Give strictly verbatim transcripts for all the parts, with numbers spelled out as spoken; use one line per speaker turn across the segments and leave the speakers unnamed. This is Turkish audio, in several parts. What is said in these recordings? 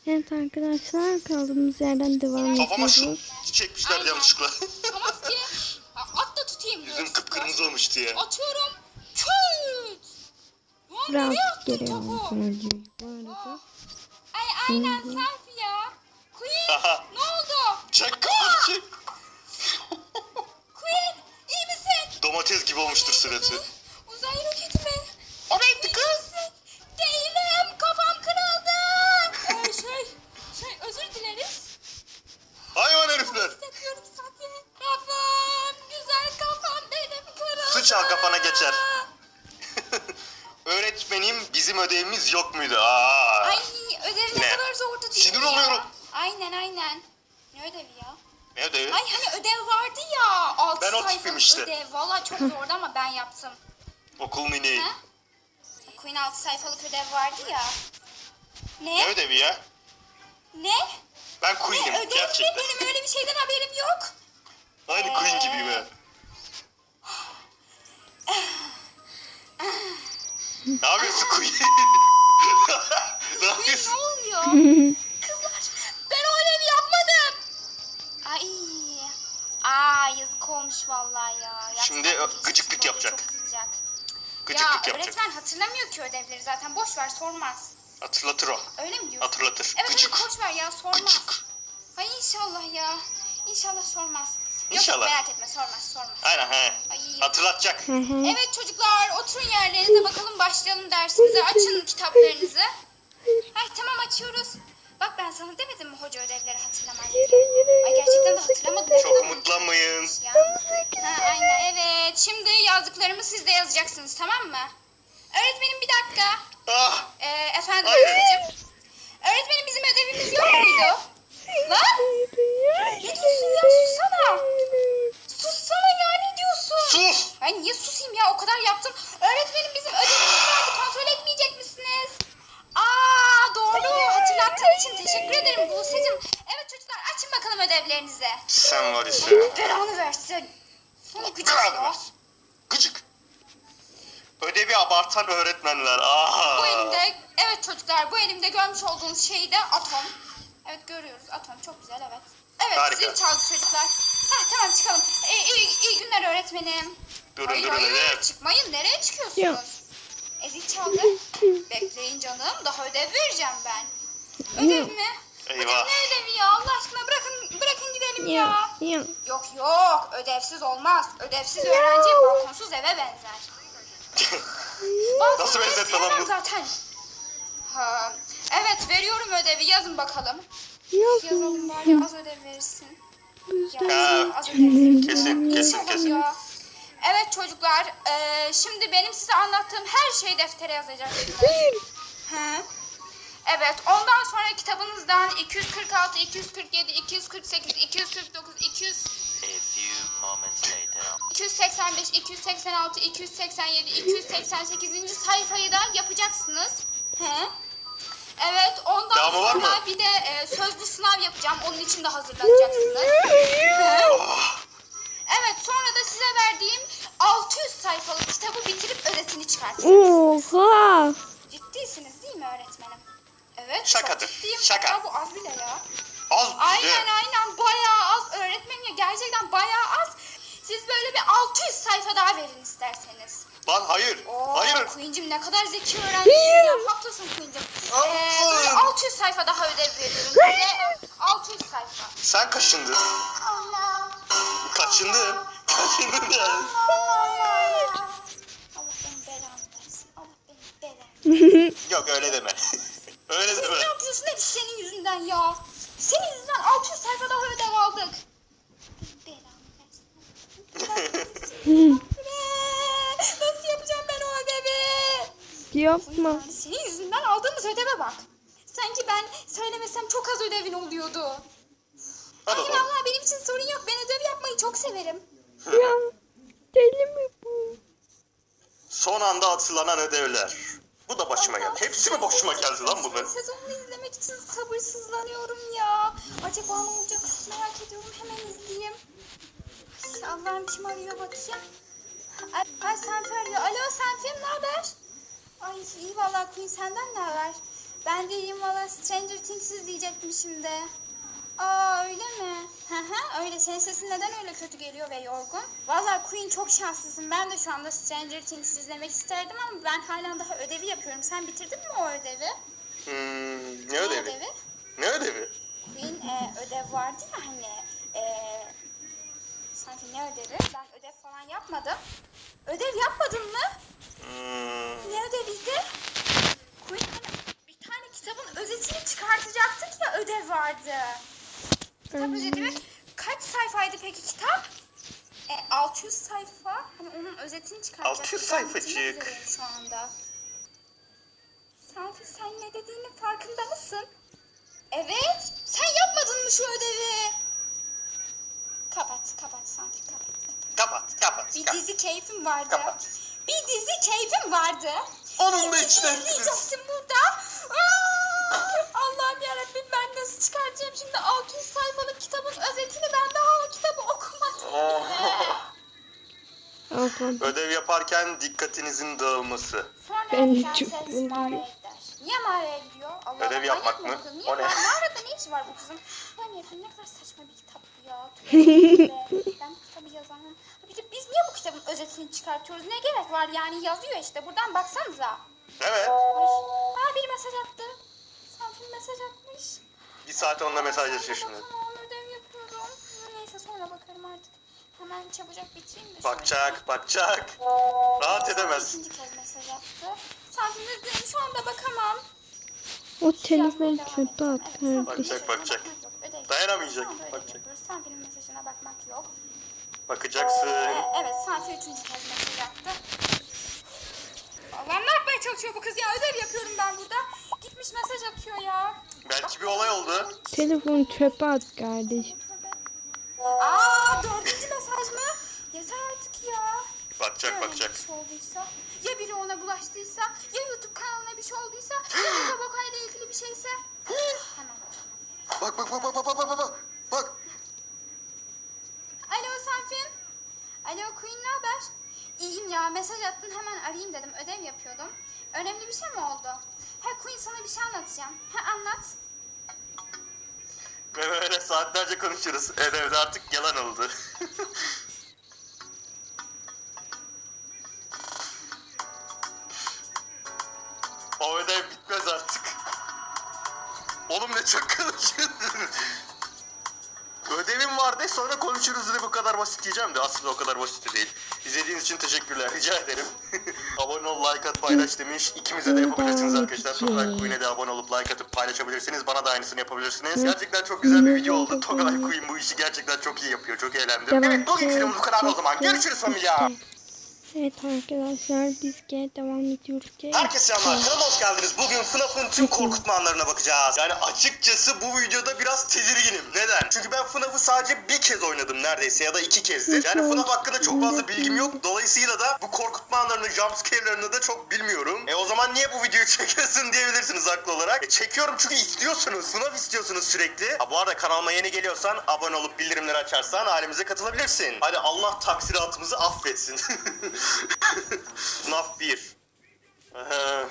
Evet arkadaşlar, kaldığımız yerden devam
Kafama şu
ediyoruz.
çekmişler
Aynen.
yanlışlıkla.
Tamam ki. At da tutayım.
Yüzüm
dur.
kıpkırmızı olmuş diye.
Atıyorum. Küt. Lan nereye
Rahat
attın
geliyor
topu?
sonucu bu arada.
Ay aynen selfie ya. Queen
Aha.
ne oldu?
Çek kafanı çek.
Queen iyi misin?
Domates gibi olmuştur suratı.
Uzay roketi mi?
Oraya
İyi misin? Değilim. Kafam kırıldı. Ee, şey, şey özür dileriz.
Hayvan herifler.
Hissetmiyorum zaten. Kafam, güzel kafam benim kırıldı.
Sıçan kafana geçer. Öğretmenim bizim ödevimiz yok muydu? Aa.
Ay ödev ne,
Ne?
kadar zordu değil
Sinir
mi ya?
oluyorum.
Aynen aynen. Ne ödevi ya?
Ne ödevi?
Ay hani ödev vardı ya. altı
Ben o tipim
sayfalık
işte.
ödev. Valla çok zordu ama ben yaptım.
Okul mini.
Ha? Queen altı sayfalık ödev vardı ya. Ne?
Ne ödevi ya?
Ne?
Ben
Ne
Queen'im
ödev mi?
gerçekten.
Benim öyle bir şeyden haberim yok.
Aynı Queen gibiyim ha. Ne yapıyorsun Queen? Ne
Ne
yapıyorsun?
oluyor? Kızlar ben o ödevi yapmadım. Ay. Aa yazık olmuş vallahi ya. Yapsam
Şimdi
keşke,
gıcıklık
babam
yapacak.
Çok kızacak.
Gıcıklık
ya
yapacak.
öğretmen hatırlamıyor ki ödevleri zaten. Boş ver sormaz.
Hatırlatır o.
Öyle mi diyorsun?
Hatırlatır.
Evet
Gıcık.
evet boş ver ya sormaz.
Gıcık.
Ay inşallah ya. İnşallah sormaz.
İnşallah.
Yok merak etme sormaz sormaz.
Aynen he.
Ay.
Hatırlatacak.
Evet çocuklar oturun yerlerinize bakalım başlayalım dersimize. Açın kitaplarınızı. Ay tamam açıyoruz. Bak ben sana demedim mi hoca ödevleri hatırlamaz diye. Ay gerçekten de hatırlamadım.
Çok umutlanmayın.
Ya. Ha, aynen evet. Şimdi yazdıklarımı siz de yazacaksınız tamam mı? Öğretmenim bir dakika.
Ah.
Ee, efendim
Hayır.
Özlem. Öğretmenim bizim ödevimiz yok muydu? Lan? Ne diyorsun ya sussana. Sussana ya ne diyorsun?
Sus.
Ben niye susayım ya o kadar yaptım. Öğretmenim bizim ödevimiz vardı kontrol etmeyecek misiniz? Aa doğru hatırlattığın için teşekkür ederim Buse'cim. Evet çocuklar açın bakalım ödevlerinizi.
Sen var ya sen.
Belanı versin. Sana gıcık
Belanı
ya.
versin. Gıcık. Ödevi abartan öğretmenler. Aa.
Bu elimde evet çocuklar bu elimde görmüş olduğunuz şey de atom. Evet görüyoruz atom çok güzel evet. Evet
Harika.
zil çaldı çocuklar. Ha tamam çıkalım. İyi, iyi, iyi günler öğretmenim.
Durun
hayır
durun
hayır
ödev.
çıkmayın nereye çıkıyorsunuz?
Yok.
E zil çaldı. Bekleyin canım daha ödev vereceğim ben. Ödev mi?
Eyvah.
Ödev ne ödevi ya Allah aşkına bırakın bırakın gidelim ya.
Ya, ya.
Yok yok ödevsiz olmaz. Ödevsiz öğrenci balkonsuz eve benzer.
Nasıl benzetme lan bu?
Zaten. Ha, evet veriyorum ödevi yazın bakalım. Yazalım bari az ödev verirsin. Ya,
Ha,
az ödev verirsin.
kesin, kesin,
İnşallah
kesin.
ya. Evet çocuklar eee, şimdi benim size anlattığım her şeyi deftere yazacaksınız. Hı. Evet ondan sonra kitabınızdan iki yüz kırk altı, iki yüz kırk yedi, iki yüz kırk sekiz, iki yüz kırk dokuz, iki yüz
A few moments later.
iki yüz seksen beş, iki yüz seksen altı, iki yüz seksen yedi, iki yüz seksen sekizinci sayfayı da yapacaksınız. He? Evet, ondan
Devamı var
sonra
mı?
bir de e, sözlü sınav yapacağım. Onun için de hazırlanacaksınız. He? Evet, sonra da size verdiğim altı yüz sayfalık kitabı bitirip özetini çıkartacaksınız.
Oha.
Ciddiysiniz değil mi öğretmenim? Evet,
Şakadır,
çok ciddiyim.
şaka.
Hatta bu az bile ya.
Az
Aynen
bize.
aynen bayağı az öğretmenim ya gerçekten bayağı az. Siz böyle bir altı yüz sayfa daha verin isterseniz.
Lan hayır.
Oo,
Hayır.
Queen'cim ne kadar zeki öğrencisin ya. Haklısın Queen'cim. Ee,
Aferin.
böyle altı yüz sayfa daha ödev veriyorum size. altı yüz sayfa.
Sen kaşındın.
Allah.
Kaçındın. Kaçındın yani.
Allah. Allah benim belamı versin. Allah benim belamı.
Yok öyle deme. Öyle deme.
Ne yapıyorsun hep senin yüzünden ya. Senin yüzünden altı yüz sayfa daha ödev aldık. Belamı versin. Nasıl yapacağım ben o ödevi?
Yapma.
Yani senin yüzünden aldığımız ödeve bak. Sanki ben söylemesem çok az ödevin oluyordu.
Hadi
Ay
bakalım.
vallahi benim için sorun yok. Ben ödev yapmayı çok severim.
Ya. Deli mi bu?
Son anda atılanan ödevler. Bu da başıma geldi. Hepsi mi başıma geldi lan bunların?
Sezonunu izlemek için sabırsızlanıyorum ya. Acaba ne olacak çok merak ediyorum. Hemen izleyeyim. Ay, Allah'ım kim arıyor bakayım. Ay, ay Senfi arıyor. Alo Senfi ne haber? Ay iyi vallahi Queen senden ne haber? Ben de iyiyim valla. Stranger Things izleyecektim şimdi. Aa öyle mi? Hı hı öyle. Senin sesin neden öyle kötü geliyor ve yorgun? Valla Queen çok şanslısın. Ben de şu anda Stranger Things izlemek isterdim ama ben hala daha ödevi yapıyorum. Sen bitirdin mi o ödevi?
Hmm, ne
Ne
ödevi?
ödevi?
Ne ödevi?
Queen e, ödev vardı ya hani. E, sanki ne ödevi? Ben ödev falan yapmadım. Ödev yapmadın mı?
Hmm,
Ne ödeviydi? Queen hani bir tane kitabın özetini çıkartacaktık ya ödev vardı. Kitap özeti mi? Kaç sayfaydı peki kitap? E, altı yüz sayfa. Hani onun özetini çıkartacaktık.
altı yüz
Ben bitirmek
sayfacık.
üzereyim şu anda. Sanki sen ne dediğinin farkında mısın? Evet. Sen yapmadın mı şu ödevi? Kapat, kapat Sanki kapat, kapat.
Kapat, kapat.
Bir
kapat.
dizi keyfim vardı.
Kapat.
Bir dizi keyfim vardı.
Onun da
Bir dizi
içine ettiniz.
izleyecektim burada. Aa! Allah'ım yarabbim ben nasıl çıkartacağım şimdi altı yüz sayfalık kitabın özetini ben daha o kitabı okumadım bile.
Ablam.
Ödev yaparken dikkatinizin dağılması.
Sonra
Ben de
prenses
çok üzüldüm.
mağaraya gider. Niye mağaraya gidiyor? Allah
Ödev
Allah,
yapmak
manyak
mı?
bu kız? Niye
O ne?
ma- Mağarada ne işi var bu kızın? Ben yapayım ne kadar saçma bir kitap bu ya. Tövbe tövbe. Ben bu kitabı yazanım. Bir de biz niye bu kitabın özetini çıkartıyoruz? Ne gerek var yani yazıyor işte buradan baksanıza.
Evet.
Ay, aa biri mesaj attı. Sanfin mesaj atmış.
Bir saat onunla mesajlaşıyor
Sonra
şimdi.
bakamam, ödev yapıyorum. Neyse sonra bakarım artık. Hemen çabucak bitireyim de.
Bakacak, bakacak. Rahat edemez.
İkinci kez mesaj attı. Sanfin üzgünüm şu anda bakamam.
O telefon çöpe at kardeşim.
Bakacak, bakacak. Dayanamayacak, bakacak.
Bakacak. Sanfi'nin mesajına bakmak yok.
Bakacaksın.
Ee, evet Sanfi üçüncü kez mesaj attı. Allah'ım ne yapmaya çalışıyor bu kız ya? Ödev yapıyorum ben burada. Gitmiş mesaj atıyor ya.
Belki bir olay oldu.
Telefon çöpe at kardeşim.
Aa dördüncü mesaj mı? Yeter artık ya.
Bakacak,
Ya
bakacak.
Bir şey olduysa, ya biri ona bulaştıysa, ya YouTube kanalına bir şey olduysa, ya Boka Boka ile ilgili bir şeyse. Hemen.
Bak, bak, bak, bak, bak, bak, bak, bak. Bak.
Alo Sanfin. Alo Queen ne haber? İyiyim ya mesaj attın hemen arayayım dedim. Ödev yapıyordum. Önemli bir şey mi oldu? Ha Queen sana bir şey anlatacağım. Ha anlat.
Ve böyle saatlerce konuşuruz. Ödevde artık yalan oldu. O ödev bitmez artık. Oğlum ne çok konuşuyorsun. Ödevim vardı sonra konuşuruz de bu kadar basit diyeceğim de aslında o kadar basit de değil. İzlediğiniz için teşekkürler rica ederim. Abone ol, like at, paylaş demiş. İkimize de yapabilirsiniz arkadaşlar. Togay Queen'e de abone olup like atıp paylaşabilirsiniz. Bana da aynısını yapabilirsiniz. Gerçekten çok güzel bir video oldu. Togay Queen bu işi gerçekten çok iyi yapıyor. Çok eğlendim. Evet bugün videomuz bu kadar o zaman. Görüşürüz familya.
Evet arkadaşlar biz gene devam ediyoruz.
Herkese selamlar. Kanalıma hoş geldiniz. Bugün F NAF'ın tüm korkutma anlarına bakacağız. Yani açıkçası bu videoda biraz tedirginim. Neden? Çünkü ben F NAF'ı sadece bir kez oynadım neredeyse ya da iki kezdir. Yani F NAF hakkında çok fazla bilgim yok. Dolayısıyla da bu korkutma anlarını, jumpscare'larını da çok bilmiyorum. E o zaman niye bu videoyu çekiyorsun diyebilirsiniz haklı olarak. E çekiyorum çünkü istiyorsunuz. F NAF istiyorsunuz sürekli. Ha bu arada kanalıma yeni geliyorsan abone olup bildirimleri açarsan ailemize katılabilirsin. Hadi Allah taksiratımızı affetsin. F NAF bir. Ee,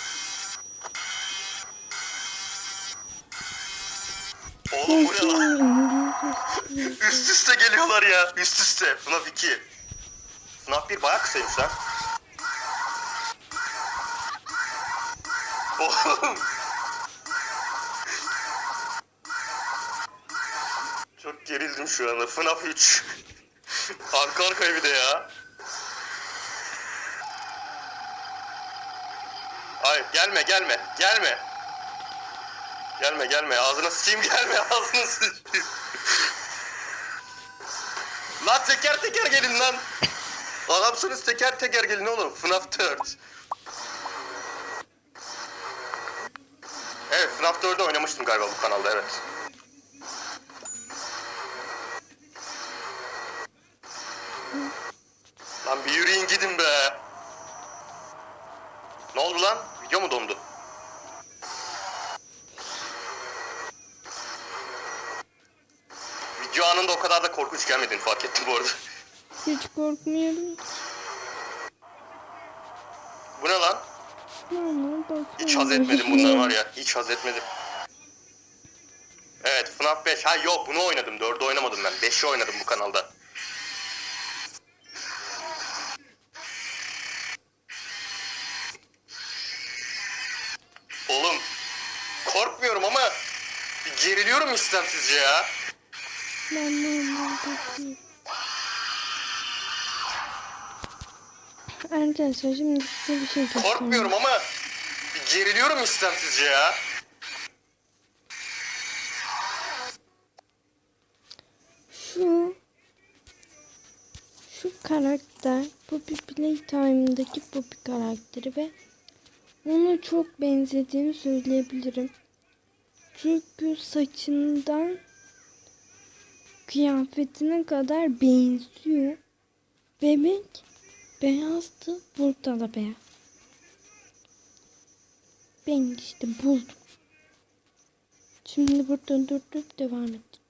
Oğlum bu ne lan? Üst üste geliyorlar ya. Üst üste. F NAF iki. F NAF bir bayağı kısaymış lan. Oğlum. Çok gerildim şu anda. F NAF üç. Arka arkaya bir de ya. Hayır gelme gelme gelme. Gelme gelme ağzına sıçayım gelme ağzına sıçayım. Lan teker teker gelin lan. Adamsınız teker teker gelin oğlum. F NAF dört. Evet F NAF dördü oynamıştım galiba bu kanalda evet. Lan bir yürüyün gidin be. Ne oldu lan? Video mu dondu? Video anında o kadar da korkunç gelmediğini fark ettim bu arada.
Hiç korkmuyorum.
Bu ne lan?
Normal bakıyorum.
Hiç haz etmedim bundan var ya. Hiç haz etmedim. Evet F NAF beş. Ha yok bunu oynadım. dördü oynamadım ben. beşi oynadım bu kanalda. Oğlum korkmuyorum ama bir geriliyorum istemsizce ya.
Ben normal bakıyorum. Arkadaşlar şimdi size bir şey göstereyim.
Korkmuyorum ama bir geriliyorum istemsizce ya.
Şu şu karakter Poppy Playtime'daki Poppy karakteri ve ona çok benzediğini söyleyebilirim. Çünkü saçından kıyafetine kadar benziyor. Bebek beyazdı, burada da beyaz. Ben işte buldum. Şimdi burada durdurup devam edeceğim.